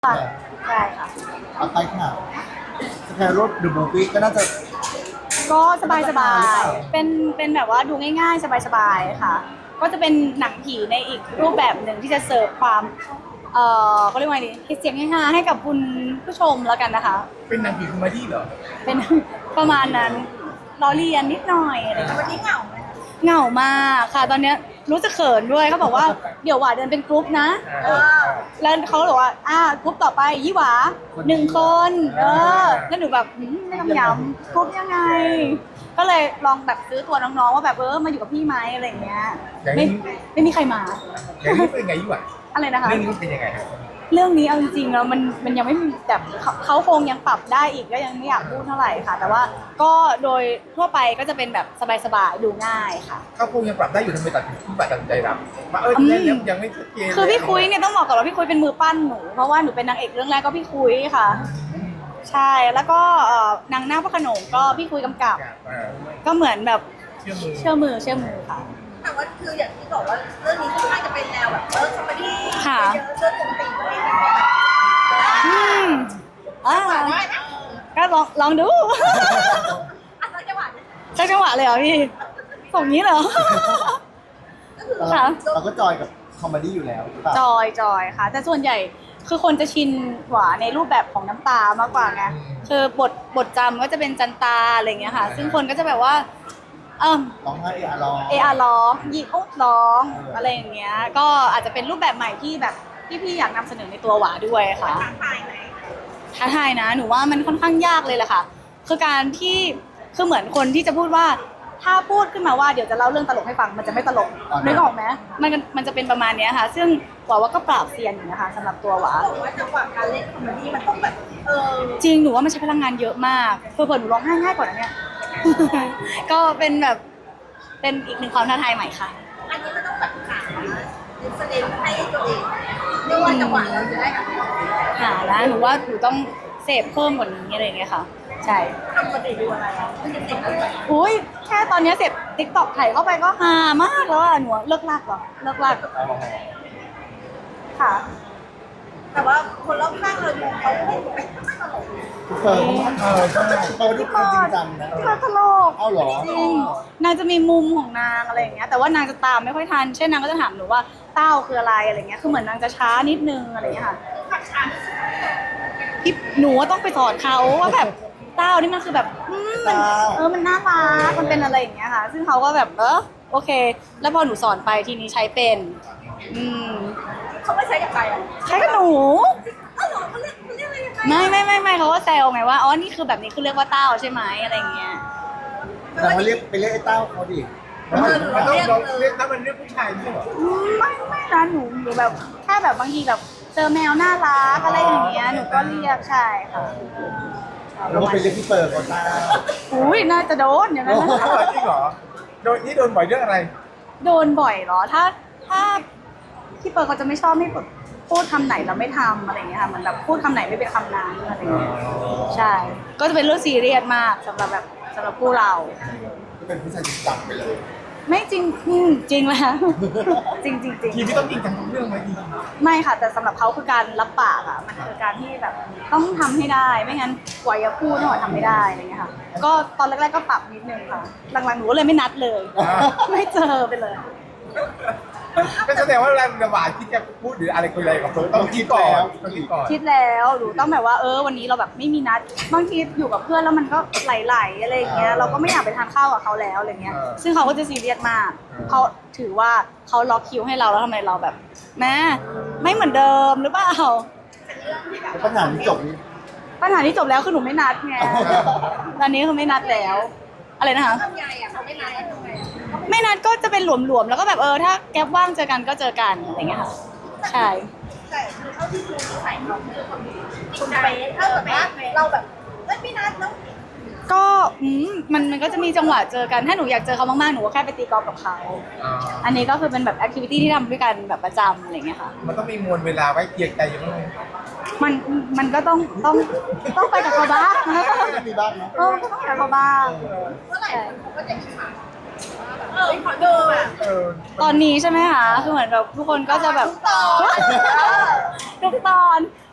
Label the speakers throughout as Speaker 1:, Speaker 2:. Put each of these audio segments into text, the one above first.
Speaker 1: ค่ะใช่ค่ะ
Speaker 2: เอาไปค่ะสแครรถเดอะมูฟวี่ก็น่าจะ
Speaker 1: ก็สบายสบายเป็นแบบว่าดูง่ายๆ สบายๆค่ะ ก็จะเป็นหนังผีในอีกรูปแบบหนึ่งที่จะเสิร์ฟความเขาเรียกว่าไงดีเสียงฮาๆให้กับคุณผู้ชมแล้วกันนะคะ
Speaker 3: เป็นหนังผีคอมเมดี้เหรอ
Speaker 1: เป็น ประมาณนั้นล้อเลียนนิดหน่อยอะไรอย่างเงี้ยวันนี้เหงาไหมเหงามากค่ะ ตอนเนี้ยรู้สึกเขินด้วยเขาบอกว่าเดี๋ยวหวาเดินเป็นกรุ๊ปนะแล้วเขาบอกว่ากรุ๊ปต่อไปยี่หวา1 คนแล้วหนูแบบไม่ต้องย้ำกรุ๊ปยังไง ก็เลยลองแบบซื้อตัวน้องๆว่าแบบมาอยู่กับพี่ไหมอะไรอย่างเงี้ยไม่มีใครมา
Speaker 3: อย่างนี้เป็นไงยี่หว่า
Speaker 1: อะไรนะคะ
Speaker 3: เรื่องนี้มันเป็นยังไงครับ
Speaker 1: เรื่องนี้เอาจริงๆแล้วมันยังไม่มีแบบเขาคงยังปรับได้อีกก็ยังไม่อยากพูดเท่าไหร่ค่ะ แต่ว่าก็โดยทั่วไปก็จะเป็นแบบสบายๆดูง่ายค่ะ
Speaker 3: เขาคงยังปรับได้อยู่ทำไมตัดสินใจรับมายังไม่ชัดเจน
Speaker 1: คือพี่คุยเนี่ยต้องบอกก่อนว่าพี่คุยเป็นมือปั้นหนูเพราะว่าหนูเป็นนางเอกเรื่องแรกก็พี่คุยค่ะ ใช่แล้วก็นางนาคพระโขนงก็พี่คุยกำกับ ก็เหมือนแบบ
Speaker 3: เชื่อมือ
Speaker 1: เชื่อมือค่ะ
Speaker 4: แต่ว่าคืออย่างที่บอกว่าเรื่องนี้ค่อนข้างจะเป็นแนวแบบคอมเมดี้
Speaker 1: ค่ะ
Speaker 4: เยอะเรื่องปกติอะไรอย่างเงี้ย
Speaker 1: อืมอ่า
Speaker 4: ได้นะ
Speaker 1: ก็ลองดู
Speaker 4: อันนั้นจังหวะเนี่ย
Speaker 1: ใช่จังหวะเลยเหรอพี่ส่งนี้เหรอ
Speaker 4: ก็คือ
Speaker 1: ค่ะ
Speaker 2: เราก็จอยกับคอมเมดี้อยู่แล้วหรือเปล่า
Speaker 1: จอยค่ะ แต่ส่วนใหญ่คือคนจะชินหวาในรูปแบบของน้ำตามากกว่าไงคือบทจำก็จะเป็นจันตาอะไรอย่างเงี้ยค่ะ ซึ่งคนก็จะแบบว่า
Speaker 2: ร้องไห้ร้อง
Speaker 1: ร้องหยิบอุ๊บร้องอะไรอย่างเงี้ยก็อาจจะเป็นรูปแบบใหม่ที่แบบที่พี่อยากนำเสนอในตัวหวาด้วยค่ะ
Speaker 4: ทางภายไหน
Speaker 1: ท้าทายนะหนูว่ามันค่อนข้างยากเลยแหละค่ะ คือการที่คือเหมือนคนที่จะพูดว่าถ้าพูดขึ้นมาว่าเดี๋ยวจะเล่าเรื่องตลกให้ฟังมันจะไม่ตลกนึกออกไหมมันจะเป็นประมาณเนี้ยค่ะ ซึ่งหวาว่าก็ปราบเซียนอยู่นะคะสำหรับตัวหวา
Speaker 4: บอกว่าจังหวะการเล่นคอมเมดี้มันต้องแบบ
Speaker 1: จริงหนูว่ามันใช้พลังงานเยอะมากเผื่อๆหนูร้องไห้ง่ายกว่านั้นเนี่ย ก็เป็นแบบเป็นอีกหนึ่งความท้าทายใหม่ค่ะ
Speaker 4: อันนี้มันต้องแบบหาดิสเลนให้ตัวเองเรียกว่าจังหวะเราจะได้แบบ
Speaker 1: หานะหนูว่าหนูต้องเสพเพิ่มกว่านี้อะไรอย่างเงี้ยค่ะ ใช่
Speaker 4: ทำปกติดูอะไรอ่ะมันจะติดอะไร
Speaker 1: อุ้ยแค่ตอนเนี้ยเสพติ๊กต็อกไถเข้าไปก็ฮามากแล้วอะหนูเลิกลากเหรอเลิกลากค่ะ
Speaker 4: แต่ว่าคนรอบข้างเราดูเขาไม่เป็นไม่ตลก
Speaker 2: ทุกเฟิร์นเขาทุกคนจริงจังนะ
Speaker 1: พี่เปิร์ตลก
Speaker 2: เอาเหรอ
Speaker 1: จริงนางจะมีมุมของนางอะไรอย่างเงี้ยแต่ว่านางจะตามไม่ค่อยทันเช่นนางก็จะถามหนูว่าเต้าคืออะไรอะไรเงี้ยคือเหมือนนางจะช้านิดนึงอะไรเงี้ยค่ะ
Speaker 4: ขัดชัน
Speaker 1: พี่หนูว่าต้องไปสอนเขาว่าแบบเต้านี่มันคือแบบมันน่ารักมันเป็นอะไรอย่างเงี้ยค่ะ ซึ่งเขาก็แบบโอเค แล้วพอหนูสอนไปทีนี้ใช้เป็น
Speaker 4: เขาไม่ใช้กับใครอ่ะ
Speaker 1: ใช้กับหนู
Speaker 4: อ้าวเหรอเขาเรียกอะไรยังไง
Speaker 1: ไม่เขาก็แซวไงว่าอ๋อนี่คือแบบนี้คือเรียกว่าเต้าใช่ไหมอะไรอย่างเงี้ย
Speaker 2: แต่ว่าไปเรียกไอ้เต้าเขาดิ
Speaker 3: มันต้องเรียกถ้ามันเรียกผู้ชายไม่ใช่เหรอ
Speaker 1: ไม่นะหนูแบบแค่แบบบางทีแบบเจอแมวน่ารักอะไรอย่างเงี้ยหนูก็เรียกใช่ค่ะ
Speaker 2: แล้วก็ไปเรียกพี่เปิร์เขาเต้า
Speaker 1: อุ้ยน่าจะโดนอย่างนั้นนะ
Speaker 3: จริงเหรอโดนบ่อยเรื่องอะไร
Speaker 1: โดนบ่อยเหรอถ้าพี่เปิร์เขาจะไม่ชอบให้แบบพูดคำไหนแล้วไม่ทำอะไรอย่างเงี้ยค่ะเหมือนแบบพูดคำไหนไม่เป็นคำนั้นอะไรอย่างเงี้ยใช่ ก็จะเป็นเรื่องซีเรียสมากสำหรับคู่เรา
Speaker 2: ก็เป็นผู้ชายจริงจังไปเลย
Speaker 1: ไม่จริงจริงแล้ว จริง
Speaker 3: ทีนี้ต้องจริงจังทุกเรื่องไหมจริง
Speaker 1: ไม่ค่ะ แต่สำหรับเขาคือการรับปากอะมันคือการที่แบบต้องทำให้ได้ไม่งั้นกว่าจะพูดหน่อยทำไม่ได้อะไรเงี้ยค่ะ ก็ตอนแรกๆก็ปรับนิดนึงค่ะ หลังๆหนูก็เลยไม่นัดเลย ไม่เจอไปเลย
Speaker 3: ก็แสดงว่าเวลาระบาดคิดจะพูดหรืออะไรคุยอะไรกับเฟิร์นต้องคิดก่อนต้องคิดก่อน
Speaker 1: คิดแล้วหนูต้องแบบว่าวันนี้เราแบบไม่มีนัดบางทีอยู่กับเพื่อนแล้วมันก็ไหลๆอะไรอย่างเงี้ยเราก็ไม่อยากไปทานข้าวกับเขาแล้วอะไรเงี้ยซึ่งเขาก็จะซีเรียสมากเขาถือว่าเขาล็อกคิวให้เราแล้วทำไมเราแบบแม่ไม่เหมือนเดิมหรือเปล่า
Speaker 2: แล้วปัญหาที่จบนี้
Speaker 1: ปัญหาที่จบแล้วคือหนูไม่นัดไงตอนนี้คือไม่นัดแล้ว อะไรนะคะ
Speaker 4: ทำไงอ่ะเขาไม่ไลน์ทำไง
Speaker 1: ไม่นัดก็จะเป็นหลวมๆแล้วก็แบบถ้าแก๊ปว่างเจอกันก็เจอกันอะไรเงี้ยค่ะใช่
Speaker 4: แต่คือเท่าที่ดูนิสัยเขาคือคนดีคุณเป๊ะถ้าแบบว่าเราแบบไม่นัดเนาะ
Speaker 1: ก็มันก็จะมีจังหวะเจอกันถ้าหนูอยากเจอเขามากๆหนูก็แค่ไปตีกอล์ฟกับเขาอันนี้ก็คือเป็นแบบแอคทิวิตี้ที่ทำด้วยกันแบบประจำอะไรเงี้ยค่ะ
Speaker 3: มันต้องมีมวลเวลาไว้เกียร์ใจอยู่ไหม
Speaker 1: มันก็ต้องไปกับเขาบ้าง
Speaker 2: ก็มีบ้างเนาะ
Speaker 1: ก็ต้องไปกับเขาบ้าง
Speaker 4: เมื่อไหร่เขาก็จะอิจฉาขอดูอ่ะ
Speaker 1: ตอนนี้ใช่ไหมคะคือเหมือนแบบทุกคนก็จะแบบ
Speaker 4: ตอน
Speaker 1: ทุกตอน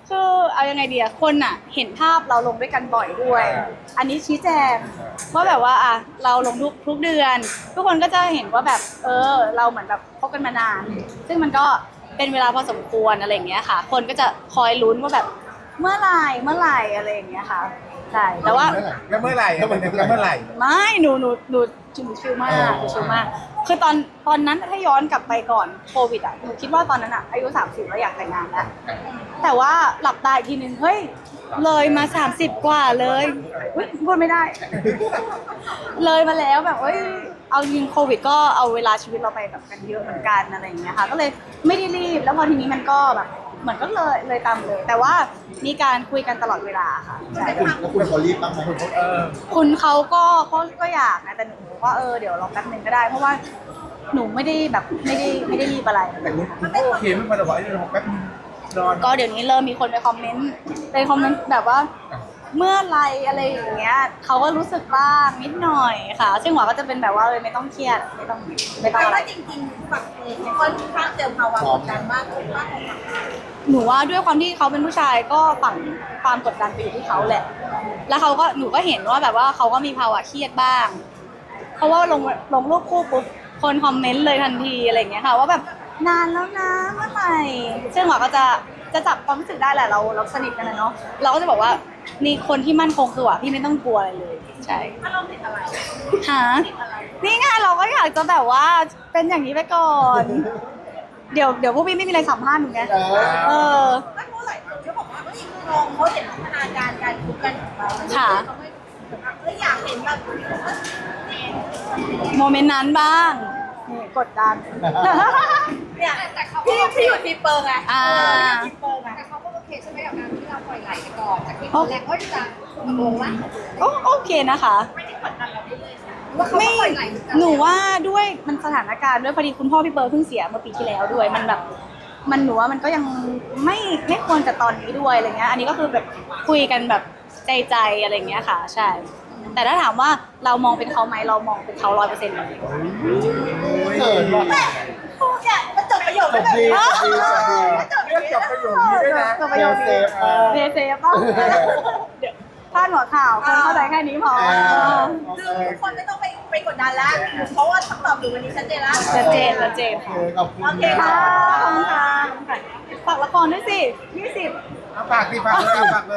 Speaker 1: คือเอายังไงดีอะคนอะเห็นภาพเราลงด้วยกันบ่อยด้วย อันนี้ชี้แจงว่าแบบว่าอะเราลงทุกเดือน ทุกคนก็จะเห็นว่าแบบเราเหมือนแบบคบกันมานาน ซึ่งมันก็เป็นเวลาพอสมควรอะไรอย่างเงี้ยค่ะ คนก็จะคอยลุ้นว่าแบบเมื่อไหร่อะไรอย่างเงี้ยค่ะใช่แต่ว่า
Speaker 3: แล้วเมื่อไหร่แล้วเมื่อไหร่
Speaker 1: ไม่หนูชิลมากหนูชิลมาก คือตอนนั้นถ้าย้อนกลับไปก่อนโควิดอ่ะหนูคิดว่าตอนนั้นอ่ะอายุ30แล้วอยากแต่งงานแล้วแต่ว่าหลับตาอีกทีนึงเฮ้ยเลยมา30กว่าเลยอุ๊ยพูดไม่ได้ เลยมาแล้วแบบเอาจริงโควิดก็เอาเวลาชีวิตเราไปแบบกันเยอะเหมือนกันอะไรอย่างเงี้ยค่ะก็เลยไม่ได้รีบแล้วพอทีนี้มันก็แบบเหมือนก็เลยตามเลย แต่ว่ามีการคุยกันตลอดเวลาค่ะใช่
Speaker 2: แล้วคุณเขารีบบ้างไหม
Speaker 1: คุณเขาก็อยากนะแต่หนูว่าเดี๋ยวรอแป๊บนึงก็ได้ เพราะว่าหนูไม่ได้แบบไม่ได้รีบอะไร
Speaker 3: แต่คุณก็โอเคไม่มาแต่ว่าเรื่องแป๊บนอน
Speaker 1: ก็เดี๋ยวนี้เริ่มมีคนไปคอมเมนต์แบบว่าเมื่อไรอะไรอย่างเงี้ยเขาก็รู้สึกบ้างนิดหน่อยค่ะซึ่งหวาก็จะเป็นแบบว่าไม่ต้องเครียดไม่ต้อง
Speaker 4: แต่
Speaker 1: อะไร
Speaker 4: ว่าจริงๆฝั่งเองค่อนข้างเจอภาวะกดดันมากกว่าฝั่ง
Speaker 1: หนูว่าด้วยความที่เขาเป็นผู้ชายก็ฝั่งความกดดันไปอยู่ที่เขาแหละ แล้วหนูก็เห็นว่าแบบว่าเขาก็มีภาวะเครียดบ้าง เพราะว่าลงรูปคู่ปุ๊บคนคอมเมนต์เลยทันทีอะไรอย่างเงี้ยค่ะว่าแบบนานแล้วนะเมื่อไหร่ซึ่งหวาก็จะจับความรู้สึกได้แหละเราสนิทกันนะเนาะเราก็จะบอกว่านี่คนที่มั่นคงคือหวาพี่ไม่ต้องกลัวอะไรเลยใช่
Speaker 4: ถ้าเราติดอะไร
Speaker 1: หานี่ไงเราก็อยากจะแบบว่าเป็นอย่างนี้ไปก่อน เดี๋ยวพวกพี่ไม่มีอะไรสัมภาษณ์หนูไงเออ
Speaker 4: ไม่รู้หลายคนเขาบอกว่าลองเขาเห็นพัฒนาการการคุยกันของเราอยากเห็นแบบ
Speaker 1: โมเมนต์นั้นบ้างนี่กดดัน
Speaker 4: เนี่ยแต่เขาพี่อยู่ทีเปิงไง
Speaker 1: ที
Speaker 4: เปิงไง
Speaker 5: แต่เขาก็โอเคใช่ไหมกับการที่เราปล่อยไหลไปก่อนจากที่ตอนแรกก็จะตกลงว่า
Speaker 1: โอเคนะคะ
Speaker 4: ไม่ได้กดดันเราได้เลย
Speaker 5: ว่าเขาก็ปล่อยไหลเหมือนกัน
Speaker 1: หนูว่าด้วยมันสถานการณ์ด้วยพอดีคุณพ่อพี่เบิร์ดเพิ่งเสียเมื่อปีที่แล้วด้วยมันแบบมันหนูว่ามันก็ยังไม่ควรกับตอนนี้ด้วยอะไรเงี้ยอันนี้ก็คือแบบคุยกันแบบใจอะไรเงี้ยค่ะ ใช่ แต่ถ้าถามว่าเรามองเป็นเขาไหมเรามองเป็นเขา100%เลย
Speaker 2: เกิดว่ะ
Speaker 4: เนี่ยมันจบประโยค
Speaker 2: จบดีจบดีจบดี
Speaker 3: เรื่องจบประโยคนี้ด้วยนะ
Speaker 1: จบประโยคนี้
Speaker 2: เซฟ
Speaker 1: เซฟป่ะเดี๋ยวพลาดหัวข่าวคนเข้าใจแค่นี้พอ
Speaker 4: คือทุกคนไม่ต้องไปกดดันแล้วเพราะว่าคำตอบอยู่วันนี้ชัดเจนแล้ว
Speaker 1: ชัดเจนค่ะ
Speaker 2: ขอบคุณ
Speaker 4: โอเค
Speaker 1: ค่ะ
Speaker 4: ค่ะ
Speaker 1: ขอบคุณค่ะฝากละครด้วยสิ20
Speaker 3: เอาฝากเลย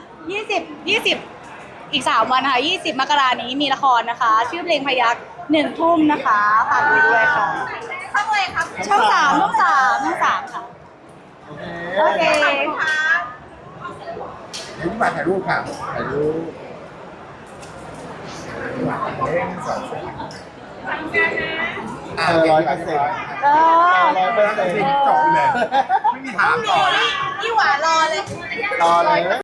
Speaker 1: 20 อีก3วันค่ะ20 มกรานี้มีละครนะคะ ชื่อเพลงพยัก1 ทุ่มนะคะฝากด้วยค่ะ
Speaker 4: เข้าเลยครับ
Speaker 1: ช่อง3ค่ะ โอเค
Speaker 4: ขอบคุณค่ะ
Speaker 3: เดี๋ยวที่มาถ่ายรูปค่ะถ่ายรูป
Speaker 2: 100%
Speaker 1: เออ
Speaker 3: 100%จบเลยไม่มีถามต่อ
Speaker 4: นี่หวานรอเลย
Speaker 2: รอเลย